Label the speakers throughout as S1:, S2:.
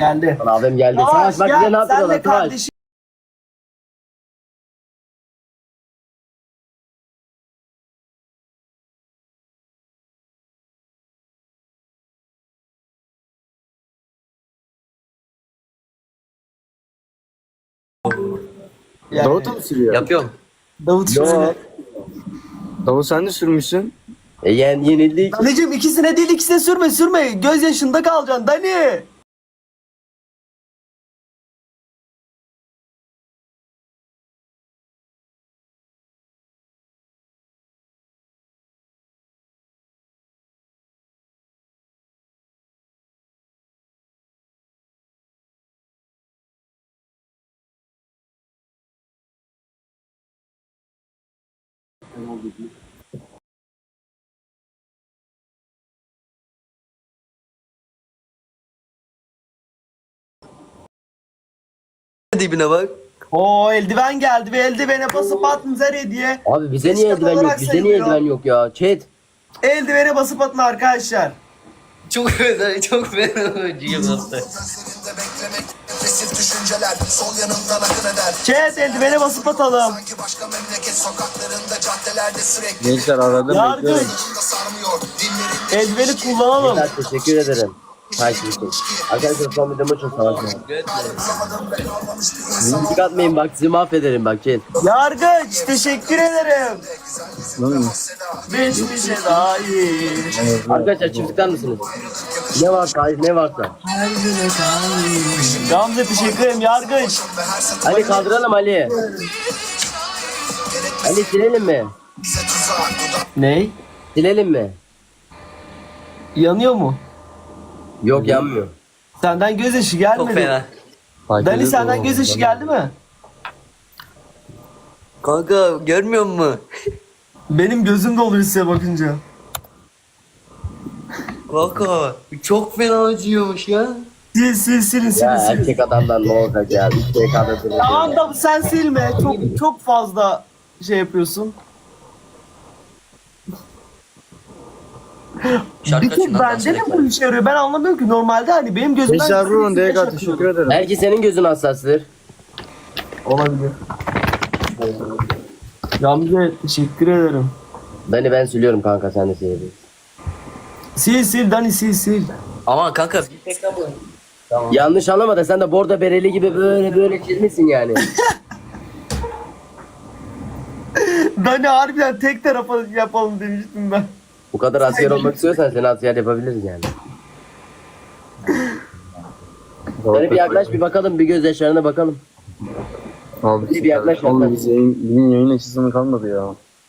S1: Geldi.
S2: Abim geldi. Savaş bak bize ne
S1: Sen de
S2: yapıyorlar Savaş.
S1: kardeşim. Yani,
S3: Davut mu sürüyor?
S4: Yapıyorum.
S1: Davut
S2: Yo.
S1: şöyle.
S3: Davut sen de sürmüşsün.
S2: Yenildik.
S1: Danıcım ikisine değil ikisine sürme. Göz yaşında kalacaksın Dani.
S4: Dibine bak.
S1: Oo eldiven geldi ve eldivene basıp atın hediye.
S2: Abi bize niye
S1: Keşke
S2: eldiven yok?
S1: olarak
S2: Bize niye
S1: sayılıyor.
S2: eldiven yok ya? Chat.
S1: Eldivene basıp atın arkadaşlar.
S4: Çok fena, çok fena acıyım hasta.
S5: Gözlerinde beklemek, depresif düşünceler sol yanımdan akın eder.
S1: Chat eldivene basıp atalım.
S5: Sanki başka memleket sokaklarında, caddelerde sürekli
S3: Gençler aradım
S1: Yargı.
S3: bekliyorum.
S5: da sarmıyor. Dinlerinde
S1: Eldiveni kullanalım.
S2: Beyler, teşekkür ederim. Takip için. Arkadaşlar son videomu çok savaşım. Müzik atmayın bak sizi mahvederim bak chat.
S1: Yargıç teşekkür ederim. Geçmişe dair.
S2: Arkadaşlar çiftlikten misiniz? Ne varsa hayır ne varsa.
S1: Gamze teşekkür ederim Yargıç.
S2: Ali kaldıralım Ali. Ali silelim mi?
S1: Ney?
S2: Silelim mi?
S1: Yanıyor mu?
S2: Yok yanmıyor.
S1: Senden gözyaşı
S4: Çok
S1: gelmedi.
S4: fena.
S3: Fark
S1: Dani
S3: ediyor
S1: senden
S3: mu?
S1: gözyaşı geldi mi?
S4: Kanka görmüyor musun?
S1: Benim gözüm doluyor size bakınca.
S4: Kanka çok fena acıyormuş ya.
S1: Silin
S2: Ya
S1: sil.
S2: erkek adamdan ne olacak ya? Bir şey kadar
S1: Tamam da sen silme. Çok fazla şey yapıyorsun.
S4: Şarkı
S1: Bir tek
S4: açın lan,
S1: bende mi
S4: dans
S1: bu işe yarıyor? Ben anlamıyorum ki. Normalde hani benim gözümden...
S3: Gençler vurun
S1: yaş
S3: DK
S1: akıyor.
S3: teşekkür ederim.
S2: Belki senin gözün hassastır.
S1: Olabilir. Gamze teşekkür ederim.
S2: Ben siliyorum kanka sen de silebilirsin.
S1: Sil Dani sil.
S4: Ama kanka bir tek bu.
S2: Yanlış anlama da sen de bordo bereli gibi böyle çizmişsin yani.
S1: Dani harbiden tek tarafa yapalım demiştim ben.
S2: Bu kadar asker olmak istiyorsan seni asker yapabiliriz yani. Hani bir yaklaş bir bakalım bir göz yaşlarına bakalım.
S3: Abi
S2: Bir yaklaş,
S3: Oğlum
S2: yaklaş.
S3: biz bizim yayın açısını kalmadı ya.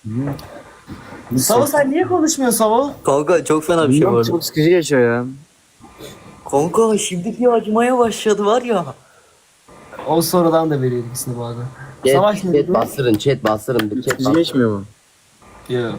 S1: Savo sen niye konuşmuyorsun Savo?
S4: Kanka çok fena bir şey
S3: Bilmiyorum,
S4: var.
S3: çok sıkıcı geçiyor ya.
S4: Kanka şimdi bir acımaya başladı var ya.
S1: O sorudan da veriyor ikisini bu arada. Savaş ne
S2: Chat
S1: dedi?
S2: bastırın chat bastırın. Bir chat
S3: Sıkıcı
S2: bastırın.
S3: geçmiyor mu?
S1: Yok.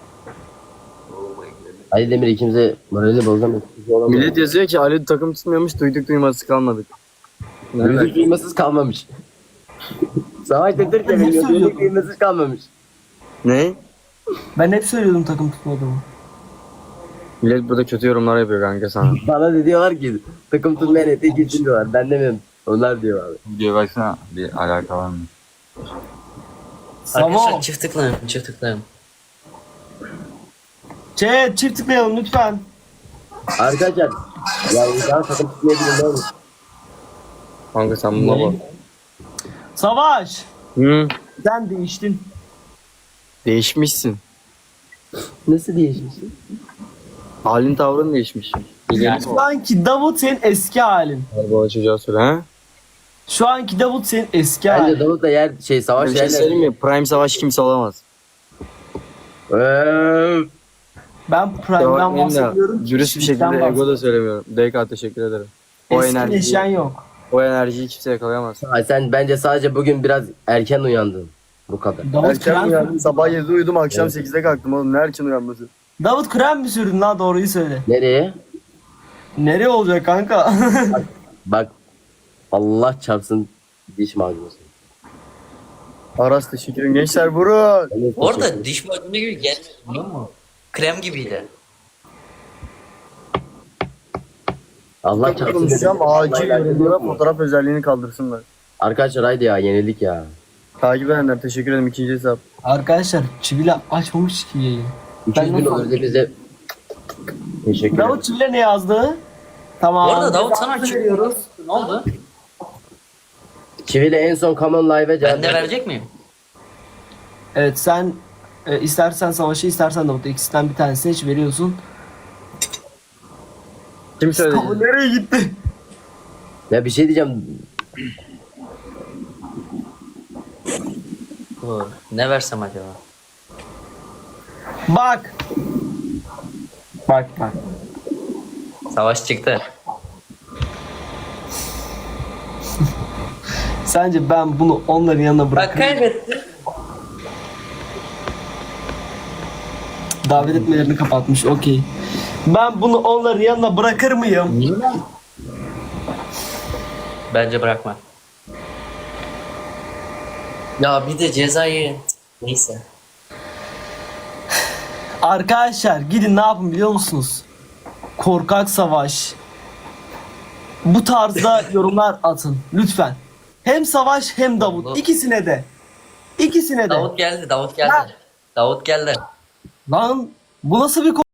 S2: Ali Demir ikimize moralini bozamıyor.
S3: Millet yazıyor ki Ali takım tutmuyormuş duyduk duyması kalmadık.
S2: Duyduk duymasız kalmamış. Savaş da Türkiye
S1: Ne
S2: biliyor.
S1: söylüyorsun?
S2: Duyduk duymasız kalmamış.
S3: Ne?
S1: Ben hep söylüyordum takım tutmadığımı.
S3: Millet burada kötü yorumlar yapıyor kanka sana.
S2: Bana da diyorlar ki takım tutmayan ete gitsin diyorlar. Ben demiyorum. Onlar diyor abi.
S6: Videoya baksana bir alaka var mı?
S1: Savo.
S4: Arkadaşlar çift tıklayın.
S1: Chat çift tıklayalım lütfen.
S2: Arkadaşlar. Ya insan takım tutmayabilir ne olur.
S3: Kanka sen buna bak.
S1: Savaş.
S3: Hı?
S1: Sen değiştin.
S3: Değişmişsin.
S2: Nasıl değişmişsin?
S3: Halin tavrın değişmiş.
S1: Şu anki Davut senin eski halin.
S3: Araba çocuğa söyle ha.
S1: Şu anki Davut senin eski
S2: Bence
S1: halin.
S2: Davut da yer savaş
S3: Bir şey söyleyeyim mi? Prime savaş kimse olamaz.
S1: Ben Prime'dan bahsediyorum.
S3: Dürüst bir şekilde
S1: Kişilikten
S3: ego da söylemiyorum. DK teşekkür ederim. O
S1: Eskileşen
S3: enerjiyi,
S1: yok.
S3: o enerjiyi kimse yakalayamaz.
S2: Sen bence sadece bugün biraz erken uyandın. Bu kadar.
S1: Davut krem,
S3: Sabah 7'de uyudum akşam 8'de kalktım oğlum. Ne erken uyanması?
S1: Davut krem mi sürdün lan doğruyu söyle.
S2: Nereye?
S1: Nereye olacak kanka?
S2: Bak Allah çarpsın diş macunası.
S3: Aras teşekkür ederim. Gençler vurun.
S4: Orada diş macunu gibi gelmiyor biliyor musun? Krem gibiydi.
S2: Allah çarpsın.
S3: Konuşacağım acil yorumlara fotoğraf özelliğini kaldırsınlar.
S2: Arkadaşlar haydi ya yenildik ya.
S3: Takip edenler teşekkür ederim, ikinci hesap.
S1: Arkadaşlar Çivila açmamış ki yayını.
S2: 300 bin
S1: nasıl-
S2: oldu bize. Teşekkür ederim.
S1: Davut Çivila ne yazdı? Tamam.
S4: Bu arada Davut
S1: Cezamızı
S4: sana kim?
S1: veriyoruz.
S4: Ne oldu?
S2: Çivili en son Common Live'e cevap
S4: Ben de
S2: verdi.
S4: verecek miyim?
S1: Evet sen istersen Savaş'ı istersen Davut'u ikisinden bir tanesini hiç veriyorsun.
S3: Kim söyledi?
S1: Ama nereye gitti?
S2: Ya bir şey diyeceğim.
S4: Dur. Ne versem acaba?
S1: Bak. Bak.
S4: Savaş çıktı.
S1: Sence ben bunu onların yanına
S4: Bak
S1: bırakırım.
S4: kaybetti.
S1: Davet etmelerini kapatmış. Okey. Ben bunu onların yanına bırakır mıyım?
S4: Bence bırakma. Ya bir de cezayı... Neyse.
S1: Arkadaşlar gidin ne yapın biliyor musunuz? Korkak Savaş. Bu tarzda yorumlar atın. Lütfen. Hem Savaş hem Davut. İkisine de. İkisine de.
S4: Davut geldi, Davut geldi. Davut geldi.
S1: Lan bu nasıl bir